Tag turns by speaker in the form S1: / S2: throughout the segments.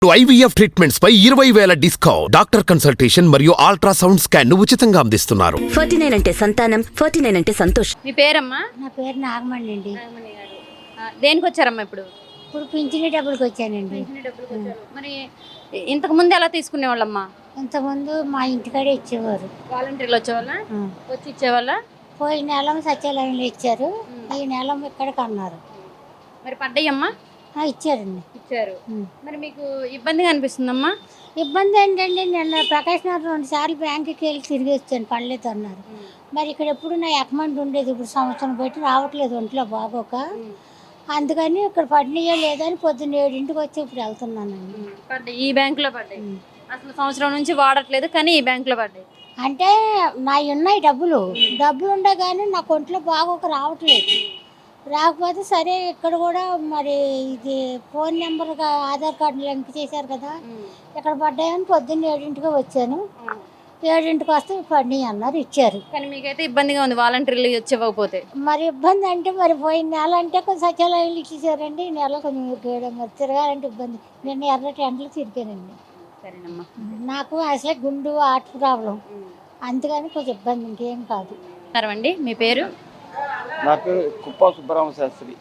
S1: IVF treatments పై 20,000 discount. Doctor consultation మరియు ultrasound scan ఉచితంగా అందిస్తున్నారు.
S2: 49 అంటే సంతానం, 49 అంటే సంతోషం.
S3: మీ పేరమ్మా?
S4: నా పేరు నాగమణి అండి.
S3: నాగమణి గారు. దేనికి వచ్చారమ్మా ఇప్పుడు?
S4: ఇప్పుడు పింఛని డబ్బులకి వచ్చానండి.
S3: మరి ఇంతకు ముందు ఎలా తీసుకునేవాళ్ళమ్మా?
S4: ఇంతకుముందు మా ఇంటికాడే ఇచ్చేవారు.
S3: వాలంటీర్లు వచ్చేవాళ్ళ? వచ్చి ఇచ్చేవాళ్ళ?
S4: పోయిన నెల సచివాలయంలో ఇచ్చారు, ఈ నెల ఇక్కడికి అన్నారు.
S3: మరి పడ్డాయమ్మా?
S4: ఇచ్చారండి.
S3: ఇచ్చారు. మరి మీకు ఇబ్బందిగా అనిపిస్తుందమ్మా?
S4: ఇబ్బంది ఏంటండి, నిన్న ప్రకాష్ నగర్ 2 సార్లు బ్యాంకుకి వెళ్ళి తిరిగి వచ్చాను, పడలేదు అన్నారు. మరి ఇక్కడ ఎప్పుడు నా అకౌంట్ ఉండేది, ఇప్పుడు సంవత్సరం పెట్టి రావట్లేదు ఒంట్లో బాగోక, అందుకని ఇక్కడ పడినాయో లేదని పొద్దున్న 7ంటికి వచ్చి ఇప్పుడు వెళ్తున్నానండి.
S3: పడ్డాయి, ఈ బ్యాంకులో పడ్డాయి. అసలు సంవత్సరం నుంచి వాడట్లేదు కానీ ఈ బ్యాంకులో పడ్డాయి.
S4: అంటే నా ఉన్నాయి డబ్బులు ఉండే కానీ నాకు ఒంట్లో బాగోక రావట్లేదు. రాకపోతే సరే ఇక్కడ కూడా మరి ఇది ఫోన్ నెంబర్గా ఆధార్ కార్డు లింక్ చేశారు కదా, ఇక్కడ పడ్డాయని పొద్దున్న 7ంటికి వచ్చాను. 7ంటికి వస్తే పడినాయి అన్నారు, ఇచ్చారు.
S3: కానీ మీకైతే ఇబ్బందిగా ఉంది వాలంటీర్లు వచ్చి ఇవ్వకపోతే?
S4: మరి ఇబ్బంది అంటే మరి పోయిన నెల అంటే కొంచెం సచివాలయాలు ఇచ్చేసారండి, ఈ నెల కొంచెం మరి తిరగాలంటే ఇబ్బంది. నేను ఎర్రటి ఎండలు తిరిగానండి.
S3: సరేనమ్మా.
S4: నాకు అసలే గుండు హార్ట్ ప్రాబ్లం, అందుకని కొంచెం ఇబ్బంది, ఇంకేం కాదు.
S3: అండి మీ పేరు?
S5: నా పేరు కుప్పా సుబ్బరామ శాస్త్రి.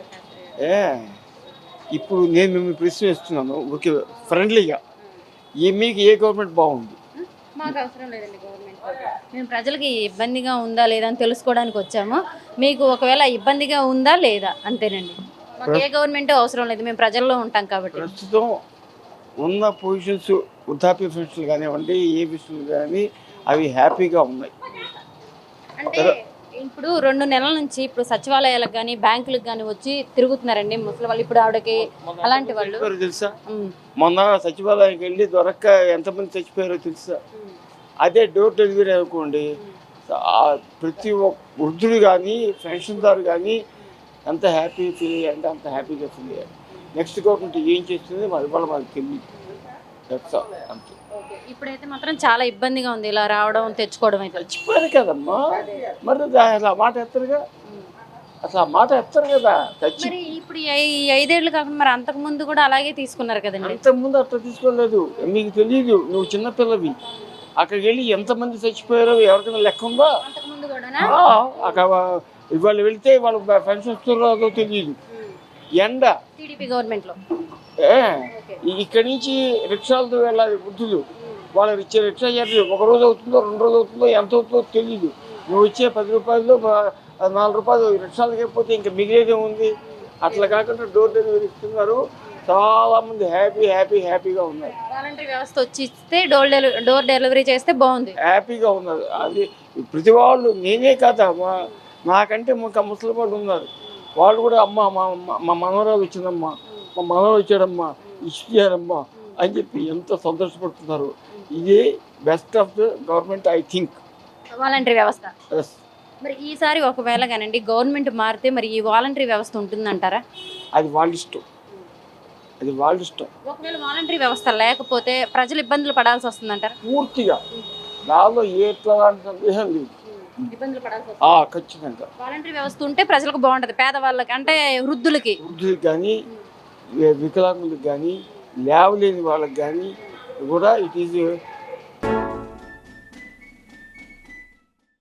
S5: ఇప్పుడు నేను మిమ్మల్ని ప్రశ్న ఇస్తున్నాను, ఓకే, ఫ్రెండ్లీగా. మీకు ఏ గవర్నమెంట్ బాగుంది?
S3: మాకు అవసరం లేదండి గవర్నమెంట్. మేము ప్రజలకి ఇబ్బందిగా ఉందా లేదా అని తెలుసుకోవడానికి వచ్చాము. మీకు ఒకవేళ ఇబ్బందిగా ఉందా లేదా అంతేనండి. మాకు ఏ గవర్నమెంట్ అవసరం లేదు, మేము ప్రజల్లో ఉంటాం కాబట్టి.
S5: ప్రస్తుతం ఉన్న పొజిషన్స్, వృద్ధాప్య పెన్షన్లు కానివ్వండి, ఏ విషయాలు కానీ అవి హ్యాపీగా ఉన్నాయి.
S3: అంటే ఇప్పుడు 2 నెలల నుంచి ఇప్పుడు సచివాలయాలకు కానీ బ్యాంకులకు కానీ వచ్చి తిరుగుతున్నారండి ముసలి వాళ్ళు. ఇప్పుడు ఆవిడకి అలాంటి వాళ్ళు
S5: తెలుసా, మొన్న సచివాలయానికి వెళ్ళి దొరక్క ఎంతమంది చచ్చిపోయారో తెలుసా? అదే డోర్ డెలివరీ అనుకోండి, ప్రతి ఒక్క వృద్ధుడు కానీ పెన్షన్దారు కానీ ఎంత హ్యాపీ ఫీల్ అయ్యారంటే అంత హ్యాపీగా ఫీల్ అయ్యారు. నెక్స్ట్ గవర్నమెంట్ ఏం చేస్తుంది మరి వాళ్ళ మనకు తెలియదు, అంతే.
S3: ఇప్పుడైతే మాత్రం చాలా ఇబ్బందిగా ఉంది ఇలా రావడం తెచ్చుకోవడం. అయితే
S5: చచ్చిపోయారు కదమ్మా, మరి అసలు ఆ మాట ఎత్తరుగా, అసలు ఆ మాట ఎత్తరు కదా.
S3: మరి ఇప్పుడు ఈ 5 ఏళ్ళు కాకుండా మరి అంతకు ముందు కూడా అలాగే తీసుకున్నారు కదండి?
S5: అంతకుముందు అట్లా తీసుకోలేదు, మీకు తెలియదు, నువ్వు చిన్నపిల్లవి. అక్కడికి వెళ్ళి ఎంతమంది చచ్చిపోయారో ఎవరికైనా లెక్క ఉందా? అక్కడ ఇవాళ వెళితే వాళ్ళు పెన్షన్ వస్తున్నారో తెలియదు. ఎండ
S3: టీడీపీ గవర్నమెంట్లో
S5: ఇక్కడి నుంచి రిక్షాలతో వెళ్ళాలి వృద్ధులు, వాళ్ళకి ఇచ్చే రిక్షా చార్జ్ 1 రోజు అవుతుందో 2 రోజులు అవుతుందో ఎంత అవుతుందో తెలియదు. నువ్వు ఇచ్చే 10 రూపాయలు 4 రూపాయలు రిక్షాలకి అయిపోతే ఇంకా మిగిలేదే ఉంది. అట్లా కాకుండా డోర్ డెలివరీ ఇస్తున్నారు, చాలా మంది హ్యాపీగా ఉన్నారు.
S3: వాలంటరీ వ్యవస్థ వచ్చి ఇస్తే డోర్ డెలివరీ చేస్తే బాగుంది,
S5: హ్యాపీగా ఉన్నారు. అది ప్రతి వాళ్ళు, నేనే కదా, నాకంటే ఇంకా ముసలి వాళ్ళు ఉన్నారు, వాళ్ళు కూడా అమ్మ మా మనవరాలు వచ్చిందమ్మా, మా మనవరాలు వచ్చాడమ్మా, ఇచ్చారమ్మా అని చెప్పి ఎంత సంతోషపడుతున్నారు. ఇదే best of the government I think,
S3: voluntary వ్యవస్థ. మరి ఈసారి ఒకవేళ కానండి గవర్నమెంట్ మారితే మరి ఈ వాలంటరీ వ్యవస్థ ఉంటుందంటారా?
S5: అది వాళ్ళ ఇష్టం, అది వాళ్ళ ఇష్టం.
S3: ఒకవేళ వాలంటరీ వ్యవస్థ లేకపోతే ప్రజలు ఇబ్బందులు పడాల్సి వస్తుందంటారా?
S5: పూర్తిగా నాలో ఎట్లాంటి సందేహం లేదు,
S3: ఇబ్బందులు పడాల్సి వస్తుంది
S5: ఖచ్చితంగా.
S3: వాలంటరీ వ్యవస్థ ఉంటే ప్రజలకు బాగుంటుంది, పేదవాళ్ళకి అంటే వృద్ధులకి
S5: కానీ వికలాంగులకు కానీ లేవలేని వాళ్ళకి కానీ కూడా ఇట్ ఈజ్